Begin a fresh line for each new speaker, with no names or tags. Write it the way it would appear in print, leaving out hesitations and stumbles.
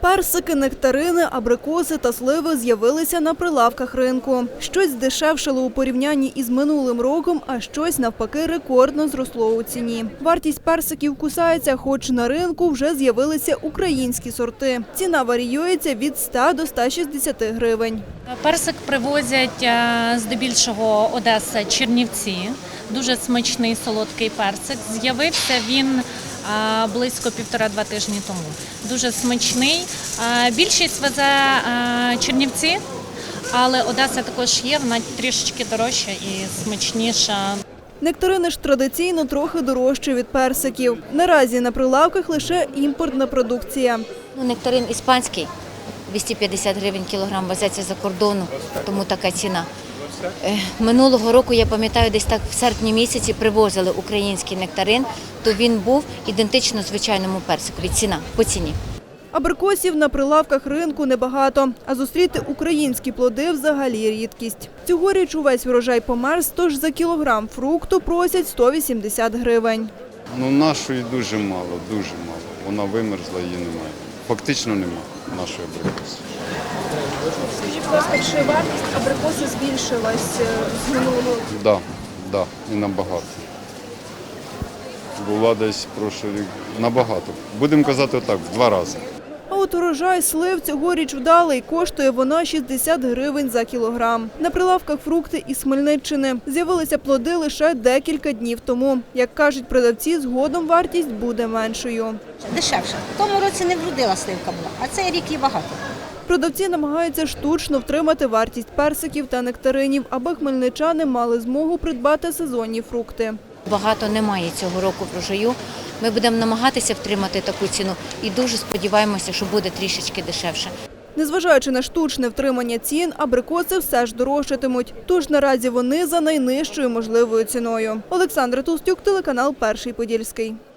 Персики, нектарини, абрикоси та сливи з'явилися на прилавках ринку. Щось здешевшало у порівнянні із минулим роком, а щось, навпаки, рекордно зросло у ціні. Вартість персиків кусається, хоч на ринку вже з'явилися українські сорти. Ціна варіюється від 100 до 160 гривень.
Персик привозять здебільшого Одеса, Чернівці. Дуже смачний солодкий персик. З'явився він близько 1,5-2 тижні тому. Дуже смачний. Більшість везе Чернівці, але Одеса також є, вона трішечки дорожча і смачніша.
Нектарини ж традиційно трохи дорожчі від персиків. Наразі на прилавках лише імпортна продукція.
Нектарин іспанський, 250 гривень кілограм, везеться за кордону, тому така ціна. Минулого року, я пам'ятаю, десь так в серпні місяці привозили український нектарин, то він був ідентично звичайному персикові, по ціні.
Абрикосів на прилавках ринку небагато, а зустріти українські плоди взагалі рідкість. Цьогоріч увесь врожай померз, тож за кілограм фрукту просять 180 гривень.
Нашої дуже мало. Вона вимерзла, її немає. Фактично немає нашої абрикоси.
Скажіть, будь ласка, чи вартість абрикоси збільшилась з минулого року?
Так, і набагато. Була десь прошлий рік набагато. Будемо казати так, в 2 рази.
А от урожай слив цьогоріч вдалий, коштує вона 60 гривень за кілограм. На прилавках фрукти із Хмельниччини. З'явилися плоди лише декілька днів тому. Як кажуть продавці, згодом вартість буде меншою.
Дешевше. В тому році не вродила сливка була, а цей рік її багато.
Продавці намагаються штучно втримати вартість персиків та нектаринів, аби хмельничани мали змогу придбати сезонні фрукти.
Багато немає цього року врожаю. Ми будемо намагатися втримати таку ціну і дуже сподіваємося, що буде трішечки дешевше.
Незважаючи на штучне втримання цін, абрикоси все ж дорожчатимуть. Тож наразі вони за найнижчою можливою ціною. Олександра Толстюк, телеканал «Перший Подільський».